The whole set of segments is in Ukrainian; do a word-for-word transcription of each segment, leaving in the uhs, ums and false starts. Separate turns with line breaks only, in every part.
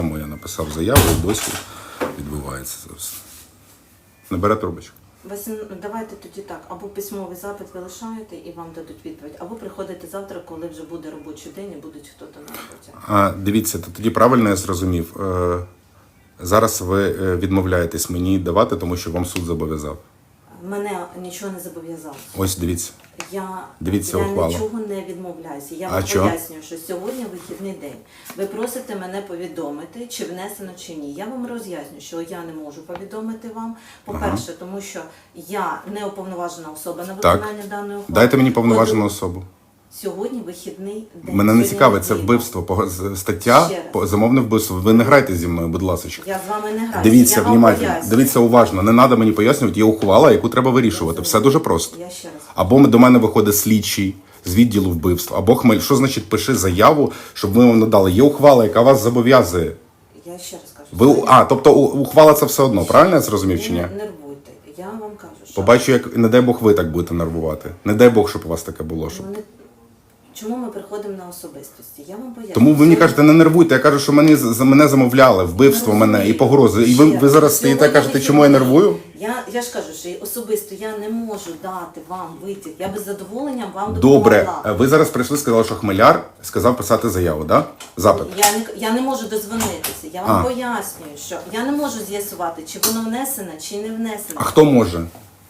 Я написав заяву і досі відбувається це все. Не бере трубочку.
Василь, давайте тоді так, або письмовий запит ви лишаєте і вам дадуть відповідь, або приходите завтра, коли вже буде робочий день і будуть хтось на роботі.
А, дивіться, то тоді правильно я зрозумів. Е, зараз ви відмовляєтесь мені давати, тому що вам суд зобов'язав.
Мене нічого не зобов'язав.
Ось дивіться.
Я,
Дивіться
я
ухвалу.
нічого не відмовляюся. Я
А
вам
чо?
пояснюю, що сьогодні вихідний день. Ви просите мене повідомити, чи внесено, чи ні. Я вам роз'ясню, що я не можу повідомити вам. По-перше, ага. тому що я не уповноважена особа на виконання
так.
даної ухвали.
Дайте мені повноважену особу.
Сьогодні вихідний день.
Мене не цікавить, це вбивство, стаття, замовне вбивство. Ви не грайте зі мною, будь ласка.
Я з вами не граю.
Дивіться, внимательно, дивіться уважно, не треба мені пояснювати, є ухвала, яку треба вирішувати. Все дуже просто.
Я ще раз.
Або до мене виходить слідчий з відділу вбивств, або хмель. Що значить пиши заяву, щоб ми вам надали? Є ухвала, яка вас зобов'язує.
Я ще раз кажу.
Ви, а, тобто ухвала це все одно, правильно я зрозумів чи ні?
Не нервуйте. Я вам кажу, що...
Побачу, як, не дай Бог, ви так будете нервувати. Не дай Бог, щоб у вас таке було. Щоб...
Ну, не... Чому ми приходимо на особистості? Я вам поясню.
Тому ви мені кажете, не нервуйте. Я кажу, що мені, за мене замовляли, вбивство мене і погрози. І ви, ви зараз стоїте і кажете, чому я нервую?
Я, я ж кажу, що особисто я не можу дати вам витяг. Я би з задоволенням вам допомогла.
Добре. Ви зараз прийшли, сказали, що Хмеляр сказав писати заяву, да? Запит.
Я не, я не можу дозвонитися. Я вам
А.
пояснюю, що я не можу з'ясувати, чи воно внесено, чи не внесено.
А хто може?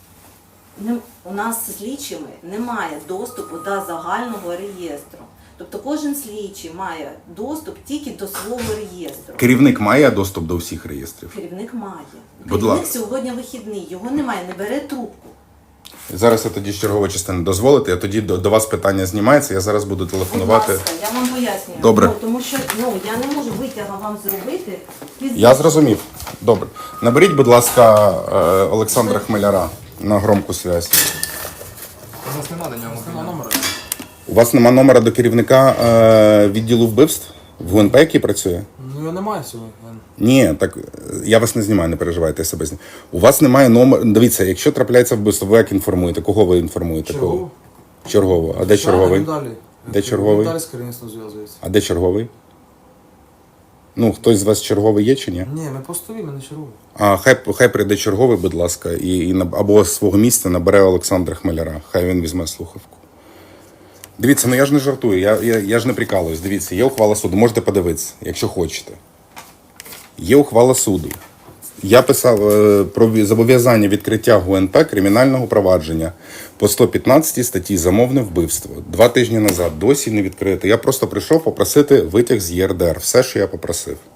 Не, у нас з слідчими немає доступу до загального реєстру. Тобто кожен слідчий має доступ тільки до свого реєстру.
Керівник має доступ до всіх реєстрів?
Керівник має.
Будь
Керівник
ласка.
сьогодні вихідний, його немає, не бере трубку.
Зараз я тоді з чергової частини дозволите, а тоді до, до вас питання знімається, я зараз буду телефонувати.
Будь ласка, я вам пояснюю.
Добре.
Ну, тому що ну, я не можу витяга вам зробити.
Я зрозумів. Добре. Наберіть, будь ласка, е, Олександра Хмеляра на громку зв'язь.
У нас немає до нього нема номера.
У вас нема номера до керівника е, відділу вбивств в ГУНП, який працює?
Ну його немає сьогодні.
Ні, так я вас не знімаю, не переживайте, я себе знімаю. У вас немає номера. Дивіться, якщо трапляється вбивство, ви як інформуєте? Кого ви інформуєте?
Чергову.
Кого? Чергово. А де черговий?
Далі.
Де черговий?
Далі з керівництвом зв'язується.
А де черговий? Ну, хтось з вас черговий є чи ні?
Ні, ми постові, ми не чергові.
А хай, хай прийде черговий, будь ласка, і, і на- або з свого місця набере Олександра Хмеляра. Хай він візьме слухавку. Дивіться, ну я ж не жартую, я, я, я ж не прикалуюсь. Дивіться, є ухвала суду, можете подивитися, якщо хочете. Є ухвала суду. Я писав е, про зобов'язання відкриття ГУНП кримінального провадження по сто п'ятнадцятій статті «Замовне вбивство». Два тижні назад досі не відкрите. Я просто прийшов попросити витяг з ЄРДР. Все, що я попросив.